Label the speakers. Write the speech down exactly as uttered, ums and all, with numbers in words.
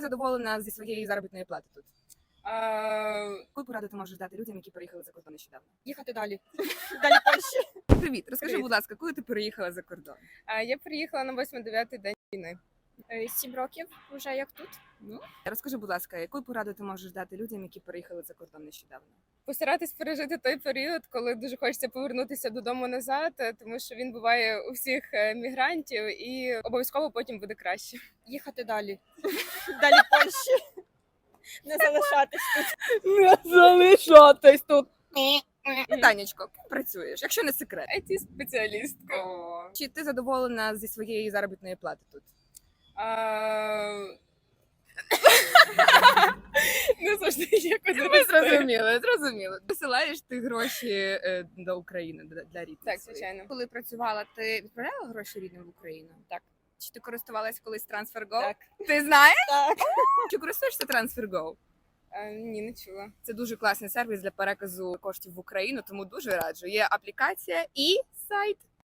Speaker 1: задоволена зі своєї заробітної плати тут?
Speaker 2: А,
Speaker 1: Яку пораду ти можеш дати людям, які переїхали за кордон нещодавно?
Speaker 2: їхати далі. Далі Польщі.
Speaker 1: Привіт, розкажи,
Speaker 2: Привіт.
Speaker 1: будь ласка, коли ти переїхала за кордон?
Speaker 2: А, я приїхала на восьмий-дев'ятий день війни.
Speaker 3: Сім років вже як тут.
Speaker 1: Ну, розкажи, будь ласка, яку пораду ти можеш дати людям, які переїхали за кордон нещодавно?
Speaker 2: Постаратись пережити той період, коли дуже хочеться повернутися додому назад, е, тому що він буває у всіх е, мігрантів, і обов'язково потім буде краще.
Speaker 3: Їхати далі. Далі Польщі. Не залишатись тут.
Speaker 1: Не залишатись тут. Танечко, ким працюєш, якщо не секрет?
Speaker 2: ай ті-спеціалістка.
Speaker 1: О. Чи ти задоволена зі своєї заробітної плати тут?
Speaker 2: А... Не завжди є куди
Speaker 1: Ми
Speaker 2: рости.
Speaker 1: зрозуміли, зрозуміли. Висилаєш ти гроші е, до України, для- для рідних
Speaker 2: Так,
Speaker 1: своїх?
Speaker 2: звичайно.
Speaker 1: Коли працювала, ти відправляла гроші рідним в Україну?
Speaker 2: Так.
Speaker 1: Чи ти користувалась колись TransferGo?
Speaker 2: Так.
Speaker 1: Ти знаєш?
Speaker 3: Так.
Speaker 1: Чи користуєшся TransferGo?
Speaker 2: А, ні, не чула.
Speaker 1: Це дуже класний сервіс для переказу коштів в Україну, тому дуже раджу. Є аплікація і сайт.